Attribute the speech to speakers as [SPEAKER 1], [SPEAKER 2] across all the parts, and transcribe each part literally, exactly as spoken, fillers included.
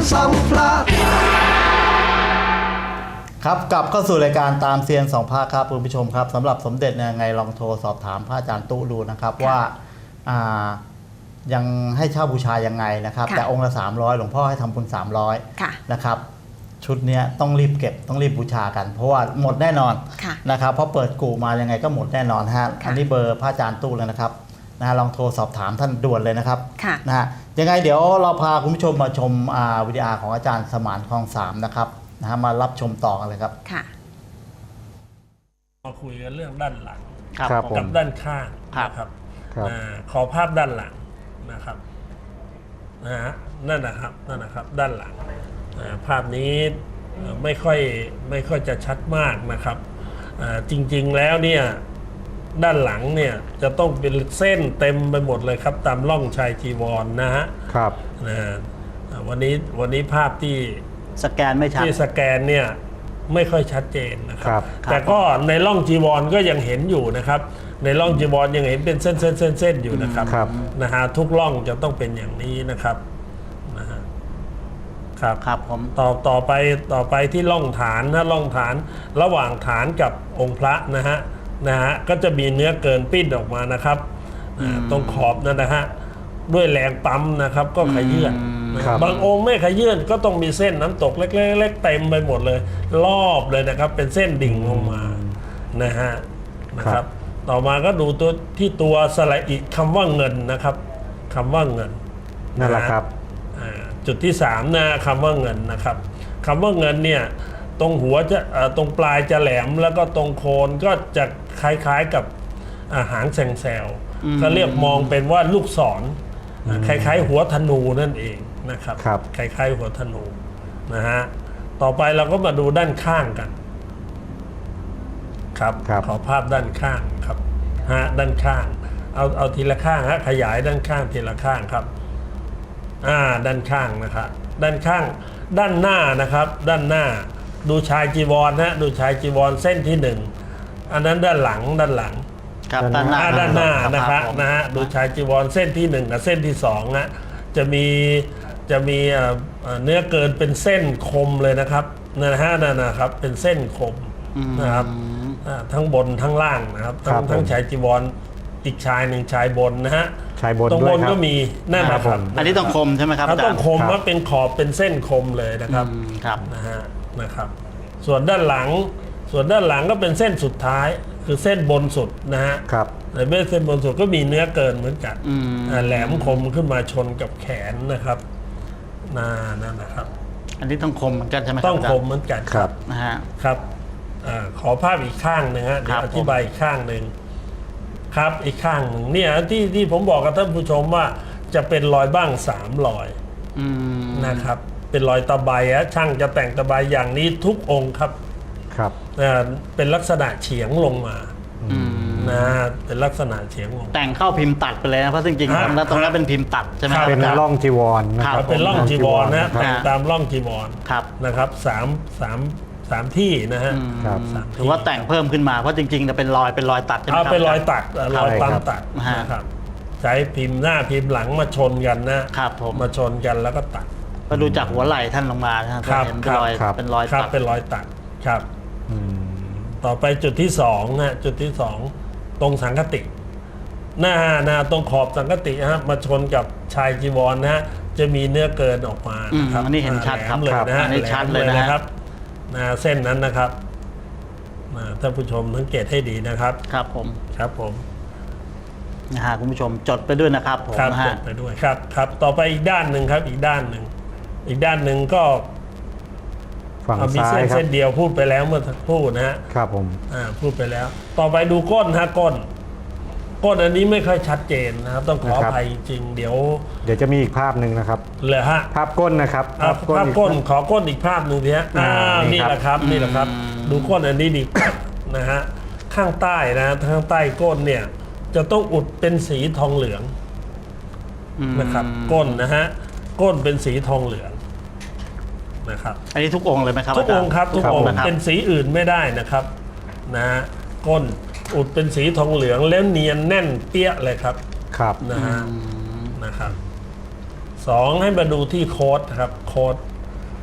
[SPEAKER 1] ซ้ำพลาด
[SPEAKER 2] ครับกลับเข้าสู่รายการตามเซียนสองภาคครับคุณผู้ชมครับสำหรับสมเด็จเนี่ยไงลองโทรสอบถามพระอาจารย์ตู้ดูนะครับว่ายังให้เช่าบูชายังไงนะครับแต่องค์ละสามร้อยหลวงพ่อให้ทำบุญสามร้อยนะครับชุดนี้ต้องรีบเก็บต้องรีบบูชากันเพราะว่าหมดแน่นอนนะครับเพราะเปิดกู่มายังไงก็หมดแน่นอนฮะอันนี้เบอร์พระอาจารย์ตู้เลยนะครับนะลองโทรสอบถามท่านด่วนเลยนะครับนะฮะยังไงเดี๋ยวเราพาคุณผู้ชมมาชมวิดีโอของอาจารย์สมานคลองสามนะครับนะฮะมารับชมต่อกันเลยครับ
[SPEAKER 3] ค่ะ
[SPEAKER 4] มาคุยกันเรื่องด้านหลัง
[SPEAKER 2] กับ
[SPEAKER 4] ด้านข้างนะครับขอภาพด้านหลังนะครับนะฮะนั่นนะครับนั่นนะครับด้านหลังภาพนี้ไม่ค่อยไม่ค่อยจะชัดมากนะครับจริงๆแล้วเนี่ยด้านหลังเนี่ยจะต้องเป็นเส้นเต็มไปหมดเลยครับตามร่องชายจีวร นะฮะ
[SPEAKER 2] ครับ
[SPEAKER 4] นะวันนี้วันนี้ภาพที่
[SPEAKER 2] สแกนไม่ชัด
[SPEAKER 4] ที่สแกนเนี่ยไม่ค่อยชัดเจนนะครับแต่ก็ในร่องจีวรก็ยังเห็นอยู่นะครับในร่องจีวรยังเห็นเป็นเส้นเส้นเส้นเส้นอยู่นะครับนะฮะทุกร่องจะต้องเป็นอย่างนี้นะครับนะฮะครับ
[SPEAKER 2] ครับผม
[SPEAKER 4] ต่อต่อไปต่อไปที่ร่องฐานนะร่องฐานระหว่างฐานกับองค์พระนะฮะนะฮะก็จะมีเนื้อเกินปิ้นออกมานะครับตรงขอบนั่นนะฮะด้วยแรงปั๊มนะครับก็ขยื่นบางองค์ไม่ขยื่นก็ต้องมีเส้นน้ำตกเล็กๆเต็มไปหมดเลยรอบเลยนะครับเป็นเส้นดิ่งลงมานะฮะนะครับต่อมาก็ดูตัวที่ตัวสระอิคำว่าเงินนะครับคำว่าเงิน
[SPEAKER 2] นั่นแหละครับ
[SPEAKER 4] จุดที่สามนะคำว่าเงินนะครับคำว่าเงินเนี่ยตรงหัวจะตรงปลายจะแหลมแล้วก็ตรงโคนก็จะคล้ายๆกับหางแซงแซวเขาเรียกมองเป็นว่าลูกศรคล้ายๆหัวธนูนั่นเองนะครับคล้ายๆหัวธนูนะฮะต่อไปเราก็มาดูด้านข้างกันครับขอภาพด้านข้างครับฮะด้านข้างเอาเอาทีละข้างฮะขยายด้านข้างทีละข้างครับอ่าด้านข้างนะครับด้านข้างด้านหน้านะครับด้านหน้าดูชายจีวรนะดูชายจีวรเส้นที่หนึ่งอันนั้นด้านหลังด้านหลัง
[SPEAKER 2] ครับด้านหน้า
[SPEAKER 4] ด้านหน้านะครับนะฮะดูชายจีวรเส้นที่หนึ่งกับเส้นที่สองนะจะมีจะมีเนื้อเกินเป็นเส้นคมเลยนะครับนะฮะนั่นนะครับเป็นเส้นคมนะครับทั้งบนทั้งล่างนะครับทั้งทั้งชายจีวรอีกชายหนึ่งชายบนนะฮะ
[SPEAKER 2] ชายบน
[SPEAKER 4] ตรงบนก็มีนั่นนะครับ
[SPEAKER 2] อันนี้ต้องคมใช่ไหมครับ
[SPEAKER 4] ต้องคมว่าเป็นขอบเป็นเส้นคมเลยนะครับนะฮะนะครับส่วนด้านหลังส่วนด้านหลังก็เป็นเส้นสุดท้ายคือเส้นบนสุดนะฮะ
[SPEAKER 2] ครับ
[SPEAKER 4] แต่เมื่อเส้นบนสุดก็มีเนื้อเกินเหมือนกันแหลมคมขึ้นมาชนกับแขนนะครับนั่นนะครับ
[SPEAKER 2] อันนี้ต้องคมเหมือนกันใช่ไหม
[SPEAKER 4] ต้องคมเหมือนกัน
[SPEAKER 2] ครับนะฮะ
[SPEAKER 4] ครับขอภาพอีกข้างหนึ่งฮะเดี๋ยวอธิบายอีกข้างหนึ่งครับอีกข้างหนึ่งเนี่ยที่ที่ผมบอกกับท่านผู้ชมว่าจะเป็นรอยบ้างสามรอยนะครับเป็นรอยตะไบฮะช่างจะแต่งตะไบอย่างนี้ทุกองค์ครับ
[SPEAKER 2] ครับ
[SPEAKER 4] เป็นลักษณะเฉียงลงมานะเป็นลักษณะเฉียงลง
[SPEAKER 2] แต่งเข้าพิมพ์ตัดไปเลยนะเพราะจริงๆแล้วตรงนั้นเป็นพิมพ์ตัดใช่ไหม
[SPEAKER 5] เป็นร่องจีวร
[SPEAKER 4] นะครับเป็นร่องจีวรนะแต่งตามร่องจีวรนะครับสามสามสามที่นะฮะ
[SPEAKER 2] ถือว่าแต่งเพิ่มขึ้นมาเพราะจริงๆจะเป็นรอยเป็นรอยตัดใช่ไหมครับ
[SPEAKER 4] เป็นรอยตัดรอยปั๊มตัดนะครับใช้พิมพ์หน้าพิมพ์หลังมาชนกันนะครับมาชนกันแล้วก็ตัด
[SPEAKER 2] ก็ดูจากหัวไหล่ท่านลงมานะครับเป็นรอยเป็นรอยตัด
[SPEAKER 4] เป็นรอยตัดครับต่อไปจุดที่สองนะจุดที่สองตรงสังคติหน้าหน้าตรงขอบสังคติฮะมาชนกับชายจีวรนะฮะจะมีเนื้อเกินออกมา
[SPEAKER 2] นะครับอันนี้เห็นชัดครับ
[SPEAKER 4] เลยนะฮะ
[SPEAKER 2] อันนี้ชัดเลยนะครับ
[SPEAKER 4] นะเส้นนั้นนะครับท่านผู้ชมสังเกตให้ดีนะครับ
[SPEAKER 2] ครับผม
[SPEAKER 4] ครับผม
[SPEAKER 2] นะฮะคุณผู้ชมจดไปด้วยนะครับผม
[SPEAKER 4] นะฮะจดไปด้วยครับครับต่อไปอีกด้านหนึ่งครับอีกด้านหนึ่งอีกด้านหนึ่งก็
[SPEAKER 5] ฝั่งซ้าย
[SPEAKER 4] ครับมีเส้นเดียวพูดไปแล้วเมื่อสักครู่นะฮะ
[SPEAKER 5] ครับผม
[SPEAKER 4] อ่าพูดไปแล้วต่อไปดูก้นฮะก้นก้นอันนี้ไม่ค่อยชัดเจนนะครับต้องขออภัยจริงเดี๋ยว
[SPEAKER 5] เดี๋ยวจะมีอีกภาพหนึ่งนะครับ
[SPEAKER 4] เลยฮะ
[SPEAKER 5] ภาพก้นนะครับ
[SPEAKER 4] ภาพก้นขอก้นอีกภาพหนึ่งทีฮะอ่านี่แหละครับนี่แหละครับดูก้นอันนี้ดีนะฮะข้างใต้นะข้างใต้ก้นเนี่ยจะต้องอุดเป็นสีทองเหลืองนะครับก้นนะฮะก้นเป็นสีทองเหลืองนะครับ
[SPEAKER 2] อันนี้ทุกองค์เลยไหมครับ
[SPEAKER 4] ทุกองค์ครับทุกองค์เป็นสีอื่นไม่ได้นะครับนะฮะก้นอุดเป็นสีทองเหลืองแล้วเนียนแน่นเปี้ยเลยครับ
[SPEAKER 5] ครับ
[SPEAKER 4] นะฮะนะครับสองให้มาดูที่โค้ดครับโค้ด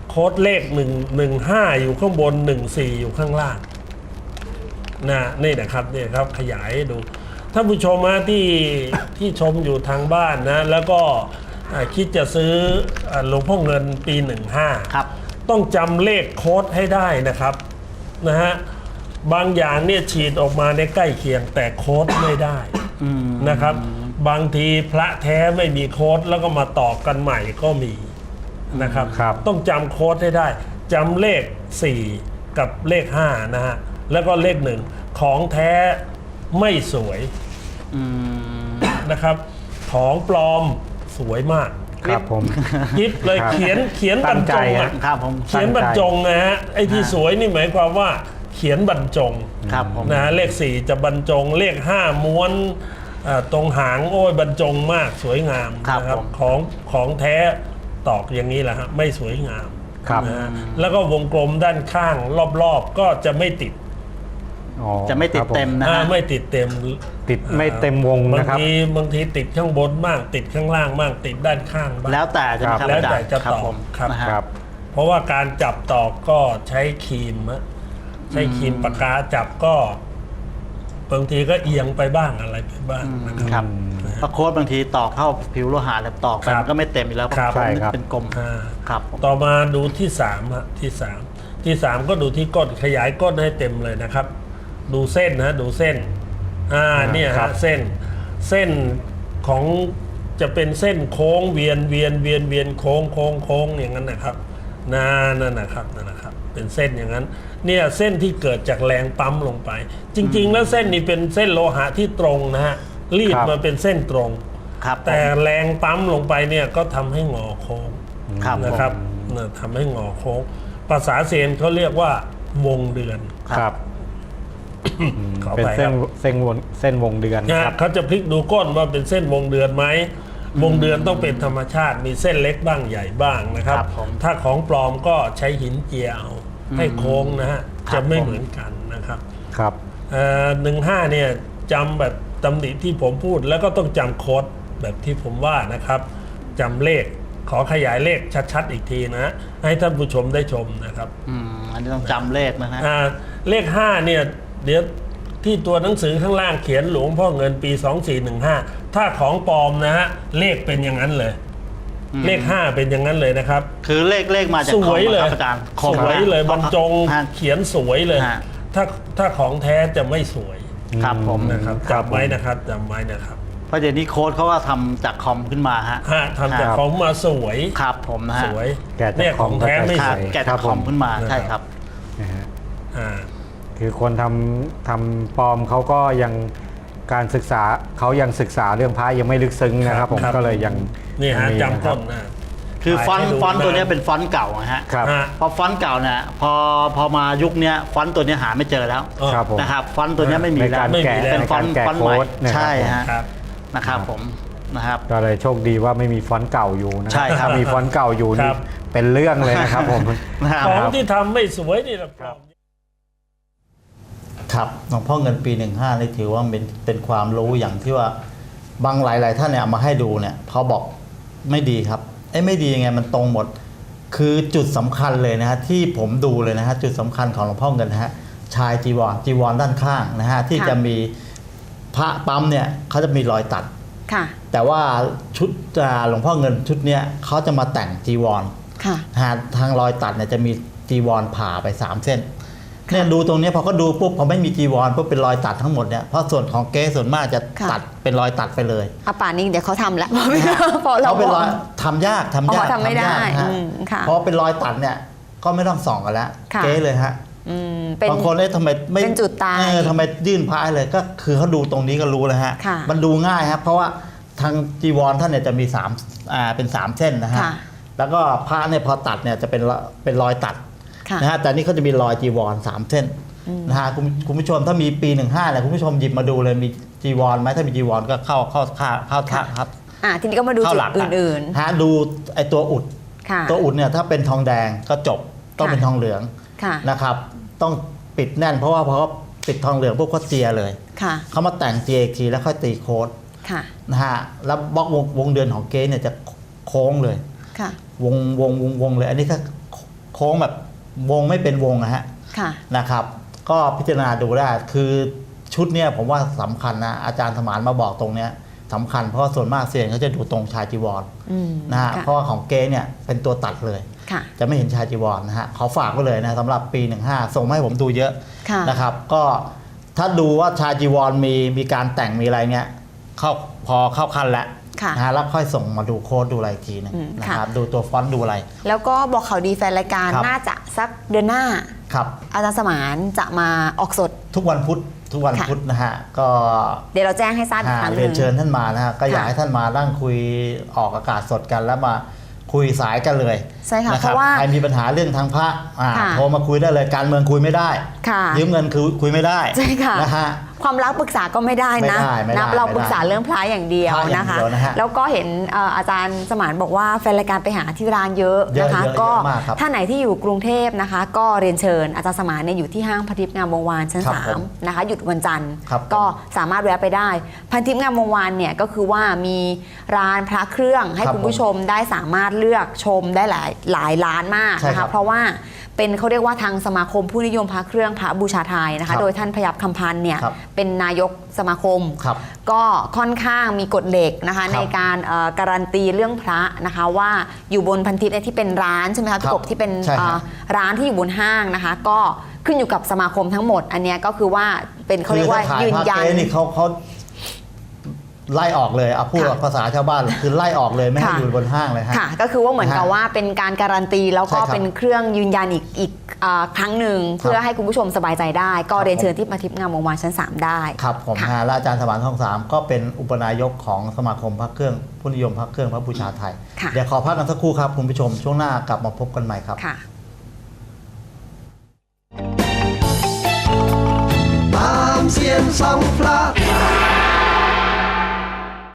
[SPEAKER 4] โค้ดเลขหนึ่งหนึ่งห้าอยู่ข้างบนหนึ่งสี่อยู่ข้างล่างนะนี่นะครับนี่ครับขยายให้ดูท่านผู้ชมนะที่ที่ชมอยู่ทางบ้านนะแล้วก็อ่าคิดจะซื้ออ่าหลวงพ่อเงินปีหนึ่งห้า
[SPEAKER 2] ครับ
[SPEAKER 4] ต้องจำเลขโค้ดให้ได้นะครับนะฮะบางอย่างเนี่ยฉีดออกมาในใกล้เคียงแต่โค้ดไม่ได้
[SPEAKER 2] อืม
[SPEAKER 4] นะครับ บางทีพระแท้ไม่มีโค้ดแล้วก็มาต่อกันใหม่ก็มีนะครับ
[SPEAKER 5] ครับ
[SPEAKER 4] ต้องจำโค้ดให้ได้จำเลขสี่กับเลขห้านะฮะแล้วก็เลขหนึ่งของแท้ไม่สวย
[SPEAKER 2] อืม
[SPEAKER 4] นะครับของปลอมสวยมาก
[SPEAKER 5] ครับผม
[SPEAKER 4] ยิบเลย
[SPEAKER 5] ครับ
[SPEAKER 4] เขียนเขียนบรรจง
[SPEAKER 5] ตั้งใจ
[SPEAKER 4] อะ
[SPEAKER 5] ฮะ
[SPEAKER 2] ครับผม
[SPEAKER 4] เขียนบรรจงนะฮะไอ้ที่สวยนี่หมายความว่าเขียนบรรจง
[SPEAKER 2] ครับผม
[SPEAKER 4] นะฮะเลขสี่จะบรรจงเลขห้าม้วนเอ่อตรงหางโอ้ยบรรจงมากสวยงาม
[SPEAKER 2] ครับ
[SPEAKER 4] นะ
[SPEAKER 2] ผม
[SPEAKER 4] ของของแท้ตอกอย่างนี้แหละฮะไม่สวยงาม
[SPEAKER 5] ครับ
[SPEAKER 4] นะฮะแล้วก็วงกลมด้านข้างรอบๆก็จะไม่ติด
[SPEAKER 5] อ๋อ
[SPEAKER 2] จะไม่ติด
[SPEAKER 5] ครับผ
[SPEAKER 2] เต็มนะ
[SPEAKER 4] อ่า
[SPEAKER 2] ฮะ
[SPEAKER 4] ไม่ติดเต็ม
[SPEAKER 5] ติดไม่เต็มวง
[SPEAKER 4] บาง
[SPEAKER 5] นะครับ
[SPEAKER 4] ทีบางทีติดข้างบนบ้างติดข้างล่างบ้างติดด้านข้างบ้าง
[SPEAKER 2] แล้วแต่จะนะครับ
[SPEAKER 4] แล้วแต่
[SPEAKER 2] อาารย์
[SPEAKER 4] จะ
[SPEAKER 2] ครับ
[SPEAKER 4] ตอบ
[SPEAKER 2] ผม
[SPEAKER 4] ครับ
[SPEAKER 2] นะฮะ
[SPEAKER 5] ครับ
[SPEAKER 4] เพราะว่าการจับตอกก็ใช้ครีมอะใช้ครีมปากกาจับก็บางทีก็เอียงไปบ้างอะไรไปบ้างนะค
[SPEAKER 2] ครับ รับเพราะโค้ดบางทีตอกเข้าผิวโลหะแล้วตอกไป
[SPEAKER 4] ครับ
[SPEAKER 2] มันก็ไม่เต็มอยู่แล้วเพราะ
[SPEAKER 4] ครับ
[SPEAKER 2] โค้ด
[SPEAKER 5] ใช่ครับ
[SPEAKER 2] เป็นกลม
[SPEAKER 4] อ่า
[SPEAKER 2] ครับผม
[SPEAKER 4] ต่อมาดูที่สามฮะที่สามที่สามก็ดูที่ก้นขยายก้นให้เต็มเลยนะครับ ดูเส้นนะดูเส้นอ่าเนี่ย
[SPEAKER 5] ครั
[SPEAKER 4] ฮะ
[SPEAKER 5] บ
[SPEAKER 4] เส้นเส้นของจะเป็นเส้นโค้งเวียนเวียนเวียนเวียนโค้งโค้งโค้งอย่างนั้นนะครับนั่นนั่นนะครับนั่นนะครับ เป็นเส้นอย่างนั้น เนี่ยเส้นที่เกิดจากแรงปั๊มลงไป จริง ๆ แล้วเส้นนี้เป็นเส้นโลหะที่ตรงนะฮะรีด
[SPEAKER 5] ครับ
[SPEAKER 4] มาเป็นเส้นตรง
[SPEAKER 2] ครับผม
[SPEAKER 4] แต่แรงปั๊มลงไปเนี่ยก็ทำให้งอโค้ง
[SPEAKER 2] ครับ
[SPEAKER 4] นะ
[SPEAKER 2] ผม
[SPEAKER 4] ครับเนี่ยทำให้งอโค้งภาษาเซียนเขาเรียกว่าวงเดือน
[SPEAKER 5] ครับ
[SPEAKER 4] ขอ
[SPEAKER 5] เป็น
[SPEAKER 4] ไปค
[SPEAKER 5] เส้
[SPEAKER 4] รั
[SPEAKER 5] น
[SPEAKER 4] บ
[SPEAKER 5] เส้นวงเส้นวงเดือน
[SPEAKER 4] นะครับ เขาจะพลิกดูก้นว่าเป็นเส้นวงเดือนไหมวงเดือนต้องเป็นธรรมชาติมีเส้นเล็กบ้างใหญ่บ้างนะครับ
[SPEAKER 2] ครับผม
[SPEAKER 4] ถ้าของปลอมก็ใช้หินเจียเอาให้โค้งนะฮะ
[SPEAKER 2] ครับ
[SPEAKER 4] จะไม่
[SPEAKER 2] ผม
[SPEAKER 4] เหมือนกันนะครับ
[SPEAKER 5] ครับ
[SPEAKER 4] หนึ่งห้าเนี่ยจำแบบตำหนิที่ผมพูดแล้วก็ต้องจำโค้ดแบบที่ผมว่านะครับจำเลขขอขยายเลขชัดๆอีกทีนะ ให้ท่านผู้ชมได้ชมนะครับ
[SPEAKER 2] อืมอันนี้ต้องจำเลขนะฮะ
[SPEAKER 4] อ่าเลขห้าเนี่ยเดี๋ยวที่ตัวหนังสือข้างล่างเขียนหลวงพ่อเงินปีสองสี่หนึ่งห้าถ้าของปลอมนะฮะเลขเป็นอย่างนั้นเลย
[SPEAKER 2] อืม
[SPEAKER 4] เลขห้าเป็นอย่างนั้นเลยนะครับ
[SPEAKER 2] คือเลขเลขมาจาก
[SPEAKER 4] ส
[SPEAKER 2] คอ
[SPEAKER 4] ว
[SPEAKER 2] ม
[SPEAKER 4] ย
[SPEAKER 2] อะ
[SPEAKER 4] เล
[SPEAKER 2] ค
[SPEAKER 4] ย
[SPEAKER 2] รับอาจารย์ค
[SPEAKER 4] ส
[SPEAKER 2] อม
[SPEAKER 4] วยเลยบรรจง
[SPEAKER 2] ฮะ
[SPEAKER 4] เขียนสวยเลย
[SPEAKER 2] ฮะ
[SPEAKER 4] ถ้าถ้าของแท้จะไม่สวย
[SPEAKER 2] ครับผม
[SPEAKER 4] นะครับ
[SPEAKER 5] ครับ
[SPEAKER 4] จำไว้นะครับจำไว้นะครับ
[SPEAKER 2] เพราะเดี๋ยวนี้โค้ดเขาก็ทำจากคอมขึ้นมาฮะ
[SPEAKER 4] ฮะทำจาก
[SPEAKER 5] ครับ
[SPEAKER 4] ของมาสวย
[SPEAKER 2] ครับผมนะฮะ
[SPEAKER 4] สวย
[SPEAKER 5] แกะจาก
[SPEAKER 4] เนี่ย
[SPEAKER 5] ข
[SPEAKER 4] ข
[SPEAKER 5] อ
[SPEAKER 4] อง งแท้ไม่
[SPEAKER 5] ก็
[SPEAKER 2] ค
[SPEAKER 4] ส
[SPEAKER 2] รับ
[SPEAKER 4] วย
[SPEAKER 2] แกะจากคอมขึ้นมา
[SPEAKER 4] นะครับ
[SPEAKER 2] ใช่ครับ
[SPEAKER 5] นะฮะ
[SPEAKER 4] อ่า
[SPEAKER 5] คือคนทำทำปลอมเขาก็ยังการศึกษาเขายังศึกษาเรื่องพระยังไม่ลึกซึ้งนะครับ ผม
[SPEAKER 4] ครับ
[SPEAKER 5] ก็เลยยัง
[SPEAKER 4] นี่ฮะ
[SPEAKER 5] ยังมี
[SPEAKER 4] จำ
[SPEAKER 5] นะค
[SPEAKER 4] ต้
[SPEAKER 5] รับ
[SPEAKER 4] นนะ
[SPEAKER 2] คือฟอนต์
[SPEAKER 4] ถ่ายให้ดู
[SPEAKER 2] ฟอนต์ตัวเนี้ย
[SPEAKER 4] ะ
[SPEAKER 2] เป็นฟอนต์เก่านะฮะ
[SPEAKER 5] ครับ
[SPEAKER 4] ฮะ
[SPEAKER 2] พอฟอนต์เก่าเนี่ยพอพอมายุคเนี้ยฟอนต์ตัวเนี้ยหาไม่เจอแล้ว
[SPEAKER 4] อ๋อ
[SPEAKER 5] ครับผม
[SPEAKER 2] นะครับฟอนต์ตัวเนี้ยไม่มี
[SPEAKER 5] ใน
[SPEAKER 2] แล้
[SPEAKER 5] กาว ร
[SPEAKER 4] ไม่มี
[SPEAKER 5] แกะ
[SPEAKER 4] แล้ว
[SPEAKER 2] เป็น
[SPEAKER 5] ใน
[SPEAKER 2] ฟอ
[SPEAKER 5] การ
[SPEAKER 2] นต์
[SPEAKER 5] แกะ
[SPEAKER 2] ฟอนต์
[SPEAKER 5] โค้
[SPEAKER 2] ใหม่
[SPEAKER 5] ดนะครับ
[SPEAKER 2] ใช่
[SPEAKER 5] ผม
[SPEAKER 2] ฮะ
[SPEAKER 4] ครับ
[SPEAKER 2] นะครับผมนะครับ
[SPEAKER 5] ก็เลยโชคดีว่าไม่มีฟอนต์เก่าอยู่นะ
[SPEAKER 2] ใช่ครับ
[SPEAKER 5] ถ้ามีฟอนต์เก่าอยู่
[SPEAKER 4] ค
[SPEAKER 5] นี่
[SPEAKER 4] รับ
[SPEAKER 5] เป็นเรื่องเลยนะครับผม
[SPEAKER 2] นะครับ
[SPEAKER 4] ของที่ทำไม่สวยนี่แหละปลอม
[SPEAKER 2] ครับหลวงพ่อเงินปีหนึ่งห้านี่ถือว่าเป็นเป็นความรู้อย่างที่ว่าบางหลาย ๆ ท่านเนี่ยเอามาให้ดูเนี่ยพอบอกไม่ดีครับไอ้ยไม่ดียังไงมันตรงหมด คือจุดสำคัญเลยนะฮะที่ผมดูเลยนะฮะจุดสำคัญของหลวงพ่อเงินนะฮะชายจีวรจีวรด้านข้างนะฮะที่
[SPEAKER 1] ค่ะ
[SPEAKER 2] จะมีพระปั๊มเนี่ยเขาจะมีรอยตัด
[SPEAKER 1] ค่ะ
[SPEAKER 2] แต่ว่าชุดอ่าหลวงพ่อเงินชุดเนี้ยเขาจะมาแต่งจีวร
[SPEAKER 1] ค่ะ
[SPEAKER 2] หาทางรอยตัดเนี่ยจะมีจีวรผ่าไปสามเส้นเนี่ยดูตรงเนี้ยพอก็ดูปุ๊บพอไม่มีจีวรปุ๊บเป็นรอยตัดทั้งหมดเนี่ยเพราะส่วนของเก๊ส่วนมากจะ
[SPEAKER 1] ค่ะ
[SPEAKER 2] ตัดเป็นรอยตัดไปเลย
[SPEAKER 1] อาป่านนี้เดี๋ยวเขาทำแล้ว เพราะเรา
[SPEAKER 2] เขาเป็นรอยทำยากทำยาก
[SPEAKER 1] อ๋อทำไม่ได้
[SPEAKER 2] ยากนะฮะ
[SPEAKER 1] อืมค่ะ
[SPEAKER 2] เพราะเป็นรอยตัดเนี่ยก็ไม่ต้องส่องกันแล้ว
[SPEAKER 1] ค่ะ
[SPEAKER 2] เก๊เลยฮะ
[SPEAKER 1] อืมเป็น
[SPEAKER 2] บางคนเอ๊ะทำไมไม่
[SPEAKER 1] เป็นจุดตาย
[SPEAKER 2] เออทำไมยื่นพระให้เลยก็คือเขาดูตรงนี้ก็รู้แล้วฮะ
[SPEAKER 1] ค่ะ
[SPEAKER 2] มันดูง่ายครับเพราะว่าทางจีวรท่านเนี่ยจะมีสามอ่าเป็นสามเส้นนะฮะ
[SPEAKER 1] ค่ะ
[SPEAKER 2] แล้วก็พระเนี่ยพอตัดเนี่ยจะเป็นละเป็นรอยตัด
[SPEAKER 1] ค่ะ
[SPEAKER 2] นะฮะแต่นี่เขาจะมีรอยจีวรสามเส้นนะฮะคุณคุณผู้ชมถ้ามีปีหนึ่งห้าเนี่ยคุณผู้ชมหยิบมาดูเลยมีจีวรไหมถ้ามีจีวรก็เข้าเข้าเข้าเข้าเข้าครับ
[SPEAKER 1] อ่าทีนี้ก็มาดู
[SPEAKER 2] เข้า
[SPEAKER 1] จุ
[SPEAKER 2] ห
[SPEAKER 1] ด
[SPEAKER 2] ลัก
[SPEAKER 1] อื่น
[SPEAKER 2] ฮะดูไอตัวอุด
[SPEAKER 1] ๆ ค่ะ
[SPEAKER 2] ตัวอุดเนี่ยถ้าเป็นทองแดงก็จบต้อง
[SPEAKER 1] ค่ะ
[SPEAKER 2] เป็นทองเหลือง
[SPEAKER 1] ค่ะ
[SPEAKER 2] นะครับต้องปิดแน่นเพราะว่าพอเขาปิดทองเหลืองพวกเขาเจียเลย
[SPEAKER 1] ค่ะ
[SPEAKER 2] เขามาแต่งเจียอีกทีแล้วค่อยตีโค้ด
[SPEAKER 1] ค่ะ
[SPEAKER 2] นะฮะแล้วบล็อกวงวงเดือนของเก๊เนี่ยจะโค้งเลย
[SPEAKER 1] ค่ะ
[SPEAKER 2] วงวงวงวงเลย อันนี้ก็โค้งแบบวงไม่เป็นวงนะฮะ
[SPEAKER 1] ค่ะ
[SPEAKER 2] นะครับ ก็พิจารณาดูได้คือชุดเนี่ยผมว่าสำคัญนะอาจารย์สมานมาบอกตรงเนี้ยสำคัญเพราะส่วนมากเซียนเขาจะดูตรงชายจีวร
[SPEAKER 1] อืม
[SPEAKER 2] นะฮะ
[SPEAKER 1] ค่ะ
[SPEAKER 2] เพราะว่าของเก๊เนี่ยเป็นตัวตัดเลย
[SPEAKER 1] ค่ะ
[SPEAKER 2] จะไม่เห็นชายจีวรนะฮะขอฝากไว้เลยนะสำหรับปีหนึ่งห้าส่งมาให้ผมดูเยอะ
[SPEAKER 1] ค่ะ
[SPEAKER 2] นะครับ ก็ถ้าดูว่าชายจีวรมีมีการแต่งมีอะไรเงี้ยเข้าพอเข้าขั้นแล้ว
[SPEAKER 1] ค่ะ
[SPEAKER 2] นะฮะแล้วค่อยส่งมาดูโค้ดดูอะไรอีกทีหนึง
[SPEAKER 1] อืม
[SPEAKER 2] นะ
[SPEAKER 1] ค่ะ
[SPEAKER 2] ครับดูตัวฟอนต์ดูอะไร
[SPEAKER 1] แล้วก็บอกข่าวดีแฟนรายการ
[SPEAKER 2] ครับ
[SPEAKER 1] น่าจะสักเดือนหน้า
[SPEAKER 2] ครับ
[SPEAKER 1] อาจารย์สมานจะมาออกสด
[SPEAKER 2] ทุกวันพุธทุกวัน
[SPEAKER 1] ค่ะ
[SPEAKER 2] พุธนะฮะก็
[SPEAKER 1] เดี๋ยวเราแจ้งให้ทราบอีก
[SPEAKER 2] อ่า
[SPEAKER 1] ครั้งห
[SPEAKER 2] เรีย
[SPEAKER 1] นึ่
[SPEAKER 2] น
[SPEAKER 1] ง
[SPEAKER 2] เชิญท่านมานะฮะก็อยาก
[SPEAKER 1] ค่ะ
[SPEAKER 2] ให้ท่านมานั่งคุยออกอากาศสดกันแล้วมาคุยสายกันเลย
[SPEAKER 1] ใช่ค่ะ
[SPEAKER 2] น
[SPEAKER 1] เพราะว่า
[SPEAKER 2] ใครมีปัญหาเรื่องทางพระอ่า
[SPEAKER 1] ค่ะ
[SPEAKER 2] โทรมาคุยได้เลยการเมืองคุยไม่ได้
[SPEAKER 1] ค่ะ
[SPEAKER 2] ยืมเงินคือคุยไม่ได้
[SPEAKER 1] ใช่ค่ะ
[SPEAKER 2] นะฮะ
[SPEAKER 1] ความรักปรึกษาก็ไม่ได้นะ
[SPEAKER 2] ไม่ได้ไม่ได้
[SPEAKER 1] นะเรา
[SPEAKER 2] ไม่ได้
[SPEAKER 1] ปรึกษาเรื่องพระอย่างเดียว
[SPEAKER 2] พระอย่าง
[SPEAKER 1] นะคะ
[SPEAKER 2] เดียวนะฮะ
[SPEAKER 1] แล้วก็เห็นเอ่ออาจารย์สมานบอกว่าแฟนรายการไปหาที่ร้านเยอะ
[SPEAKER 2] เยอะ
[SPEAKER 1] นะคะ
[SPEAKER 2] เยอะ
[SPEAKER 1] ก็
[SPEAKER 2] เยอะมากครับ
[SPEAKER 1] ถ้าไหนที่อยู่กรุงเทพนะคะ ก็เรียนเชิญอาจารย์สมานเนี่ยอยู่ที่ห้างพันทิพย์งามวงวานชั้น
[SPEAKER 2] ครับ
[SPEAKER 1] สา
[SPEAKER 2] ผม ม
[SPEAKER 1] นะคะหยุดวันจันทร์
[SPEAKER 2] ครับ
[SPEAKER 1] ก็สามารถแวะไปได้ พันทิพย์งามวงวานเนี่ยก็คือว่ามีร้านพระเครื่องให้
[SPEAKER 2] ครับ
[SPEAKER 1] คุณผู้ชมได้สามารถเลือกชมได้หลายหลายร้านมาก
[SPEAKER 2] ใช่
[SPEAKER 1] นะ
[SPEAKER 2] ครั
[SPEAKER 1] คะ
[SPEAKER 2] บ
[SPEAKER 1] เพราะว่าเป็นเขาเรียกว่าทางสมาคมผู้นิยมพระเครื่องพระบูชาไทยนะ
[SPEAKER 2] ครั
[SPEAKER 1] คะ
[SPEAKER 2] บ
[SPEAKER 1] โดยท่านพยับคำพันธ์เนี่ย
[SPEAKER 2] ครับ
[SPEAKER 1] เป็นนายกสมาคม
[SPEAKER 2] ครับ
[SPEAKER 1] ก็ค่อนข้างมีกฎเหล็กนะคะ
[SPEAKER 2] ครับ
[SPEAKER 1] ในการเอ่อการันตีเรื่องพระนะคะว่าอยู่บนพันทิพย์เนี่ยที่เป็นร้านใช่ไหมคะพี่กบที่เป็น
[SPEAKER 2] ใช่ครับ
[SPEAKER 1] เอ่อร้านที่อยู่บนห้างนะคะ ก็ขึ้นอยู่กับสมาคมทั้งหมด อันเนี้ยก็คือว่าเป็นเขาเรียกว่า
[SPEAKER 2] คือถ้ข
[SPEAKER 1] ยืน
[SPEAKER 2] พระ
[SPEAKER 1] ยัน
[SPEAKER 2] เก๊นี่เขาเขาไล่ออกเลยเอาพูด
[SPEAKER 1] ค่ะ
[SPEAKER 2] ภาษาชาวบ้านคือไล่ออกเลยไม่ให้
[SPEAKER 1] ค่ะ
[SPEAKER 2] อยู่บนห้างเลยฮะ
[SPEAKER 1] ค่ะ ก็คือว่าเหมือนกับ
[SPEAKER 2] นะฮะ
[SPEAKER 1] ว่าเป็นการการันตีแล้วก็
[SPEAKER 2] ใช่ครับ
[SPEAKER 1] เป็นเครื่องยืนยันอีกอีกเอ่อครั้งหนึ่งเพื่อให้คุณผู้ชมสบายใจได้ ก็
[SPEAKER 2] ครับ
[SPEAKER 1] เรียนเชิญที่พันทิพย์งามวงวานชั้นสามได้
[SPEAKER 2] ครับผม
[SPEAKER 1] ค่ะ
[SPEAKER 2] ฮะและอาจารย์สมานทองสามก็เป็นอุปนายกของสมาคมพระเครื่องผู้นิยมพระเครื่องพระบูชาไทย
[SPEAKER 1] ค่ะ
[SPEAKER 2] เดี๋ยวขอพักกันสักครู่ครับคุณผู้ชมช่วงหน้ากลับมาพบกันใหม่ครับ
[SPEAKER 1] ค่ะ
[SPEAKER 3] ตามเสียนสองพระ